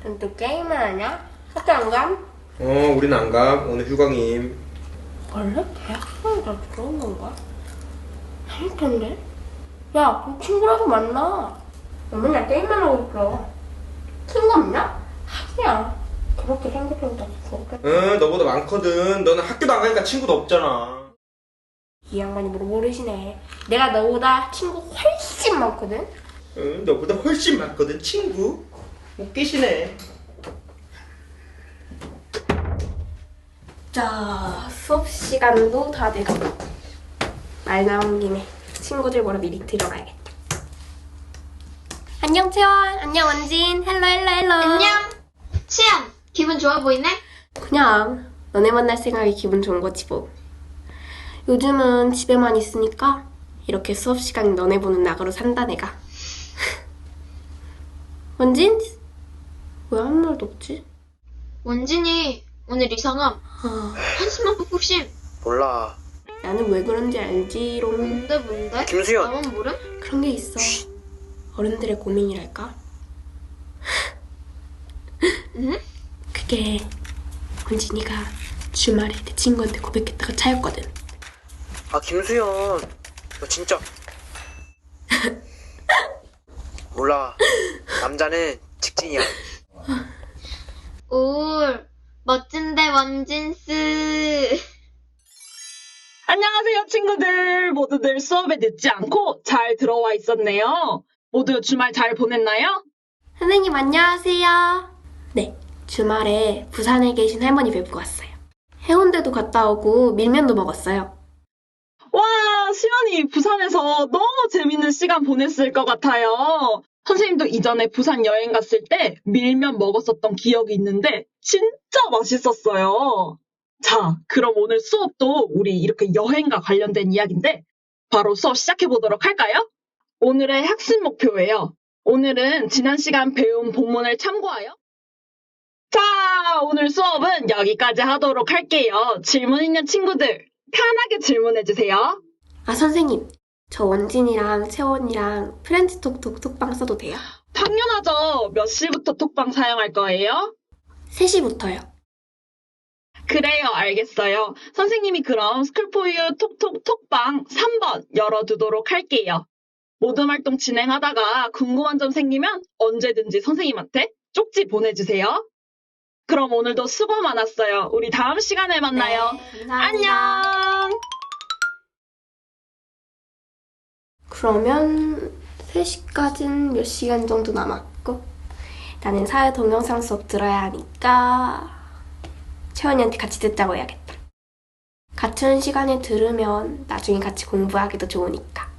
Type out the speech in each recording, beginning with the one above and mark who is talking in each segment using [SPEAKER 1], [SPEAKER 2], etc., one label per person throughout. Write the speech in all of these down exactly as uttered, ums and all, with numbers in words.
[SPEAKER 1] 또 게임을 하냐? 학교 안 감?
[SPEAKER 2] 어, 우린 안 가. 오늘 휴강임.
[SPEAKER 1] 원래 대학생이 다 들어온 건가? 아닐 텐데. 야, 그럼 친구라도 만나. 너 맨날 게임만 하고 있어. 친구 없냐? 하기야. 그렇게 생각해보다 좋겠다.
[SPEAKER 2] 응, 너보다 많거든. 너는 학교도 안 가니까 친구도 없잖아.
[SPEAKER 1] 이 양반이 모르시네. 내가 너보다 친구 훨씬 많거든?
[SPEAKER 2] 응, 너보다 훨씬 많거든, 친구. 웃기시네.
[SPEAKER 1] 자, 수업 시간도 다 돼가고. 말 나온 김에 친구들 보러 미리 들어가야겠다. 안녕, 채원. 안녕, 원진. 헬로, 헬로, 헬로.
[SPEAKER 3] 안녕. 치영, 기분 좋아 보이네?
[SPEAKER 1] 그냥 너네 만날 생각이 기분 좋은 거지 뭐. 요즘은 집에만 있으니까 이렇게 수업 시간 너네 보는 낙으로 산다 내가. 원진? 왜 아무 말도 없지?
[SPEAKER 3] 원진이 오늘 이상함.
[SPEAKER 1] 아,
[SPEAKER 3] 한숨만 푹푹 쉼.
[SPEAKER 2] 몰라.
[SPEAKER 1] 나는 왜 그런지 알지롱.
[SPEAKER 3] 뭔데 뭔데?
[SPEAKER 2] 김수현.
[SPEAKER 3] 나만 모름?
[SPEAKER 1] 그런 게 있어. 어른들의 고민이랄까?
[SPEAKER 3] 응?
[SPEAKER 1] 그게 원진이가 주말에 내 친구한테 고백했다가 차였거든.
[SPEAKER 4] 아, 김수현, 너 진짜 몰라. 남자는 직진이야.
[SPEAKER 3] 올 멋진데 원진스.
[SPEAKER 5] 안녕하세요, 친구들. 모두들 수업에 늦지 않고 잘 들어와 있었네요. 모두 주말 잘 보냈나요?
[SPEAKER 1] 선생님 안녕하세요. 네, 주말에 부산에 계신 할머니 뵙고 왔어요. 해운대도 갔다 오고 밀면도 먹었어요.
[SPEAKER 5] 와, 시연이 부산에서 너무 재밌는 시간 보냈을 것 같아요. 선생님도 이전에 부산 여행 갔을 때 밀면 먹었었던 기억이 있는데 진짜 맛있었어요. 자, 그럼 오늘 수업도 우리 이렇게 여행과 관련된 이야기인데 바로 수업 시작해보도록 할까요? 오늘의 학습 목표예요. 오늘은 지난 시간 배운 본문을 참고하여 자, 오늘 수업은 여기까지 하도록 할게요. 질문 있는 친구들 편하게 질문해주세요.
[SPEAKER 1] 아 선생님, 저 원진이랑 채원이랑 프렌치 톡톡 톡방 써도 돼요?
[SPEAKER 5] 당연하죠. 몇 시부터 톡방 사용할 거예요?
[SPEAKER 1] 세 시부터요.
[SPEAKER 5] 그래요, 알겠어요. 선생님이 그럼 스쿨포유 톡톡 톡방 삼 번 열어두도록 할게요. 모든 활동 진행하다가 궁금한 점 생기면 언제든지 선생님한테 쪽지 보내주세요. 그럼 오늘도 수고 많았어요. 우리 다음 시간에 만나요.
[SPEAKER 1] 네, 감사합니다.
[SPEAKER 5] 안녕!
[SPEAKER 1] 그러면 세 시까진 몇 시간 정도 남았고 나는 사회 동영상 수업 들어야 하니까 채원이한테 같이 듣자고 해야겠다. 같은 시간에 들으면 나중에 같이 공부하기도 좋으니까.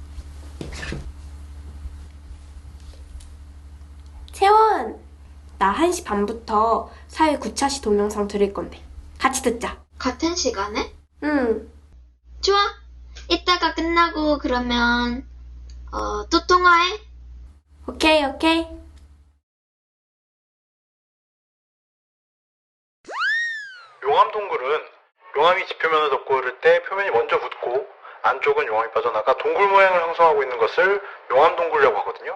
[SPEAKER 1] 채원! 나 한 시 반부터 사회 구 차시 동영상 들을 건데 같이 듣자.
[SPEAKER 3] 같은 시간에?
[SPEAKER 1] 응.
[SPEAKER 3] 좋아. 이따가 끝나고 그러면 어, 또 통화해.
[SPEAKER 1] 오케이 오케이.
[SPEAKER 6] 용암 동굴은 용암이 지표면을 덮고 흐를 때 표면이 먼저 붙고 안쪽은 용암이 빠져나가 동굴 모양을 형성하고 있는 것을 용암 동굴이라고 하거든요.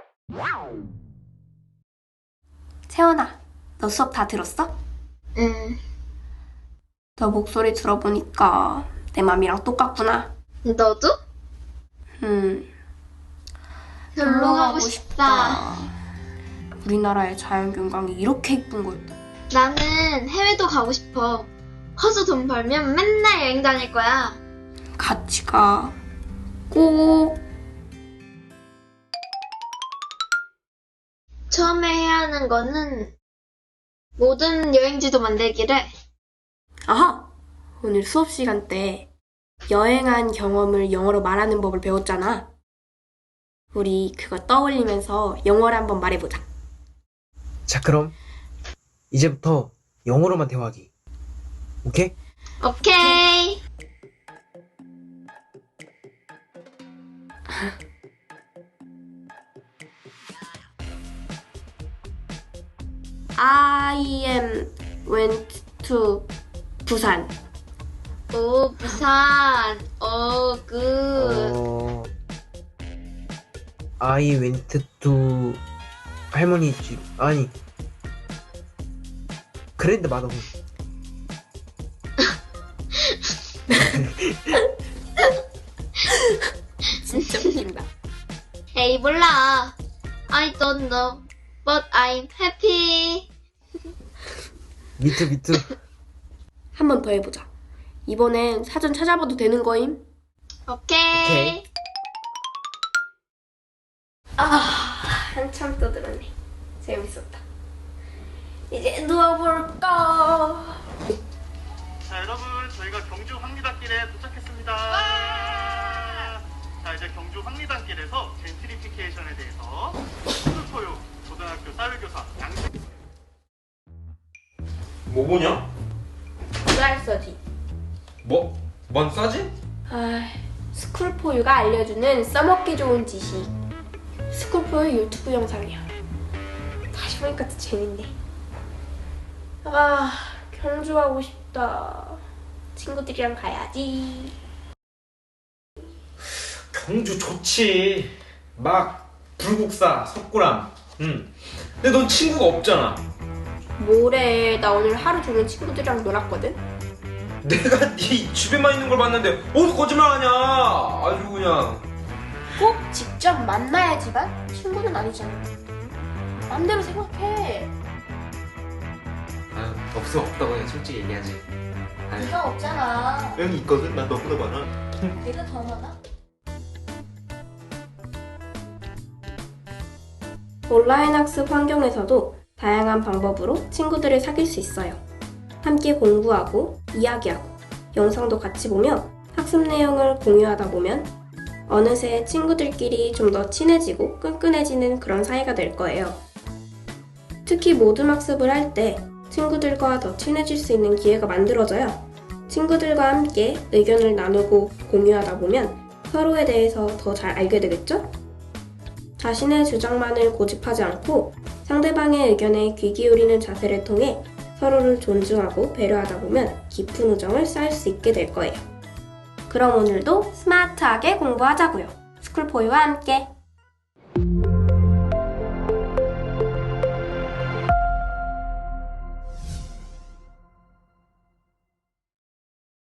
[SPEAKER 1] 채원아, 너 수업 다 들었어?
[SPEAKER 3] 응.
[SPEAKER 1] 너 목소리 들어보니까 내 맘이랑 똑같구나.
[SPEAKER 3] 너도?
[SPEAKER 1] 음,
[SPEAKER 3] 놀러 가고 싶다.
[SPEAKER 1] 우리나라의 자연경관이 이렇게 예쁜 거였다.
[SPEAKER 3] 나는 해외도 가고 싶어. 커서 돈 벌면 맨날 여행 다닐 거야.
[SPEAKER 1] 같이 가. 꼭.
[SPEAKER 3] 처음에 해야 하는 거는 모든 여행지도 만들기래.
[SPEAKER 1] 아하! 오늘 수업 시간 때 여행한 경험을 영어로 말하는 법을 배웠잖아. 우리 그거 떠올리면서 영어를 한번 말해보자.
[SPEAKER 4] 자, 그럼 이제부터 영어로만 대화하기. 오케이?
[SPEAKER 3] 오케이.
[SPEAKER 1] I am went to 부산.
[SPEAKER 3] 오, 부산. 오, 굿.
[SPEAKER 4] 어... I went to 할머니 집. 아니, 그랜드 마더문.
[SPEAKER 1] 진짜 웃긴다.
[SPEAKER 3] 에이, 몰라. I don't know, but I'm happy.
[SPEAKER 4] 미투 미투.
[SPEAKER 1] 한 번 더 해보자. 이번엔 사전 찾아봐도 되는 거임?
[SPEAKER 3] 오케이.
[SPEAKER 4] 오케이.
[SPEAKER 1] 아, 한참 떠들었네. 재밌었다. 이제 누워볼까?
[SPEAKER 6] 자, 여러분, 저희가 경주 황리단길에 도착했습니다. 자, 이제 경주 황리단길에서 젠트리피케이션에 대해서 스쿨포유 고등학교 사회교사 양식
[SPEAKER 2] 뭐 보냐?
[SPEAKER 1] 쌀서지.
[SPEAKER 2] 뭐? 뭔 싸지?
[SPEAKER 1] 아, 스쿨포유가 알려주는 써먹기 좋은 지식. 스쿨포유 유튜브 영상이야. 다시 보니까 또 재밌네. 아, 경주 가고 싶다. 친구들이랑 가야지.
[SPEAKER 2] 경주 좋지. 막 불국사, 석굴암. 응. 근데 넌 친구가 없잖아.
[SPEAKER 1] 뭐래, 나 오늘 하루 종일 친구들이랑 놀았거든?
[SPEAKER 2] 내가 네 집에만 있는 걸 봤는데 어디 거짓말하냐? 아주 그냥.
[SPEAKER 1] 꼭 직접 만나야지만 친구는 아니잖아. 맘대로 생각해.
[SPEAKER 7] 아, 없어 없다고 그냥 솔직히 얘기하지. 아유,
[SPEAKER 1] 네가 없잖아.
[SPEAKER 2] 여기 있거든. 난 너보다 많아.
[SPEAKER 1] 내가 더 많아? 온라인 학습 환경에서도 다양한 방법으로 친구들을 사귈 수 있어요. 함께 공부하고 이야기하고 영상도 같이 보며 학습 내용을 공유하다 보면 어느새 친구들끼리 좀 더 친해지고 끈끈해지는 그런 사이가 될 거예요. 특히 모둠 학습을 할 때 친구들과 더 친해질 수 있는 기회가 만들어져요. 친구들과 함께 의견을 나누고 공유하다 보면 서로에 대해서 더 잘 알게 되겠죠? 자신의 주장만을 고집하지 않고 상대방의 의견에 귀 기울이는 자세를 통해 서로를 존중하고 배려하다 보면 깊은 우정을 쌓을 수 있게 될 거예요. 그럼 오늘도 스마트하게 공부하자고요. 스쿨포유와 함께.